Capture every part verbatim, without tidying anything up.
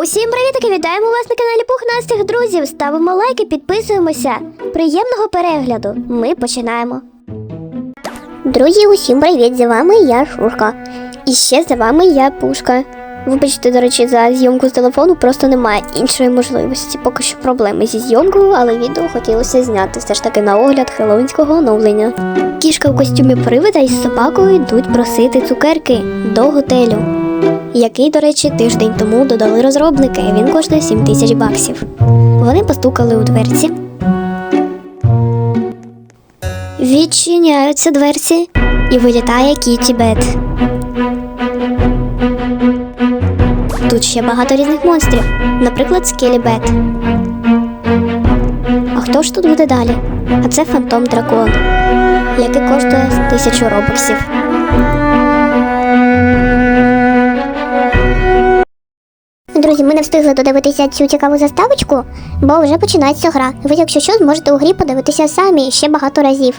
Усім привітки! Вітаємо вас на каналі Пухнастих друзів. Ставимо лайки, підписуємося. Приємного перегляду. Ми починаємо. Друзі, усім привіт! За вами я, Шушка. І ще за вами я, Пушка. Вибачте, до речі, за зйомку з телефону просто немає іншої можливості. Поки що проблеми зі зйомкою, але відео хотілося зняти все ж таки на огляд хеллоуінського оновлення. Кішка в костюмі привида із собакою йдуть просити цукерки до готелю, який, до речі, тиждень тому додали розробники. Він коштує сім тисяч баксів. Вони постукали у дверці. Відчиняються дверці і вилітає Кіті Бет. Тут ще багато різних монстрів, наприклад, Скелі Бет. А хто ж тут буде далі? А це Фантом Дракон, який коштує тисячу робоксів. Друзі, ми не встигли додивитися цю цікаву заставочку, бо вже починається гра. Ви, якщо що, зможете у грі подивитися самі ще багато разів.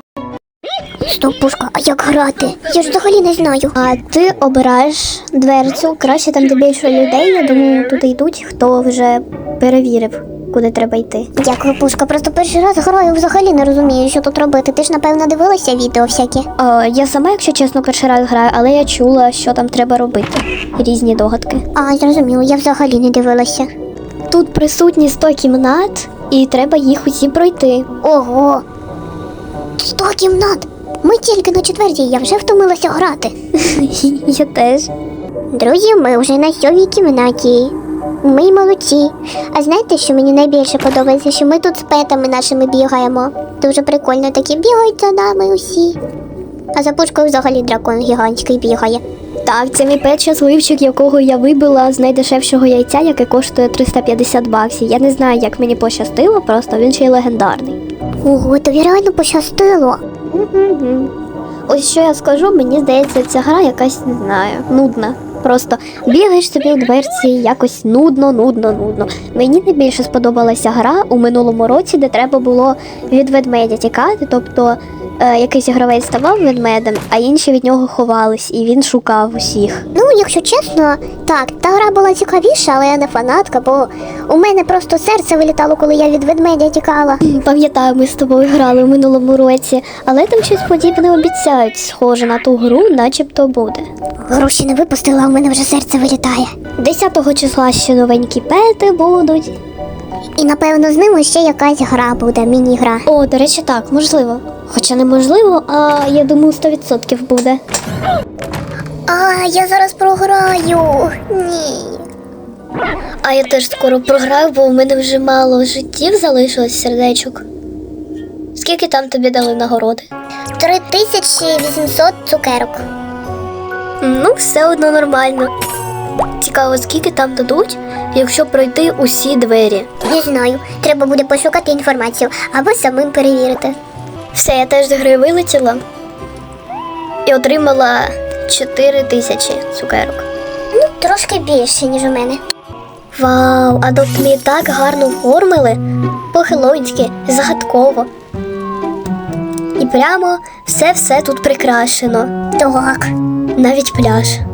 Стоп, Пушка, а як грати? Я ж взагалі не знаю. А ти обираєш дверцю, краще там, де більше людей, я думаю, туди йдуть, хто вже перевірив, куди треба йти. Дякую, Пушка, просто перший раз граю, взагалі не розумію, що тут робити. Ти ж, напевно, дивилася відео всякі? О, я сама, якщо чесно, перший раз граю, але я чула, що там треба робити. Різні догадки. А, зрозуміло, я взагалі не дивилася. Тут присутні сто кімнат, і треба їх усі пройти. Ого! сто кімнат! Ми тільки на четвертій, я вже втомилася грати. Я теж. Друзі, ми вже на сьомій кімнаті. Ми молодці. А знаєте, що мені найбільше подобається? Що ми тут з петами нашими бігаємо. Дуже прикольно, такі бігають за нами усі. А за Пушкою взагалі дракон гігантський бігає. Так, це мій пет щасливчик, якого я вибила з найдешевшого яйця, яке коштує триста п'ятдесят баксів. Я не знаю, як мені пощастило, просто він ще й легендарний. Ого, тобі реально пощастило. Угу. Ось що я скажу, мені здається, ця гра якась, не знаю, нудна. Просто бігаєш собі у дверці, якось нудно, нудно, нудно. Мені найбільше сподобалася гра у минулому році, де треба було від ведмедя тікати, тобто е, якийсь гравець ставав ведмедем, а інші від нього ховались, і він шукав усіх. Ну, якщо чесно, так, та гра була цікавіша, але я не фанатка, бо у мене просто серце вилітало, коли я від ведмедя тікала. Пам'ятаю, ми з тобою грали у минулому році, але там щось подібне обіцяють, схоже на ту гру, начебто буде. Гру ще не випустила, а у мене вже серце вилітає. десятого числа ще новенькі пети будуть. І, напевно, з ними ще якась гра буде, міні-гра. О, до речі, так, можливо. Хоча неможливо, а я думаю, сто відсотків буде. А, я зараз програю. Ні. А я теж скоро програю, бо у мене вже мало життів залишилось, сердечок. Скільки там тобі дали нагороди? три тисячі вісімсот цукерок. Ну, все одно нормально. Цікаво, скільки там дадуть, якщо пройти усі двері? Не знаю. Треба буде пошукати інформацію, або самим перевірити. Все, я теж з гри вилетіла і отримала чотири тисячі цукерок. Ну, трошки більше, ніж у мене. Вау, а тут мені так гарно оформили, по-хеллоуінськи, загадково. І прямо все-все тут прикрашено. Так. Навіть пляж.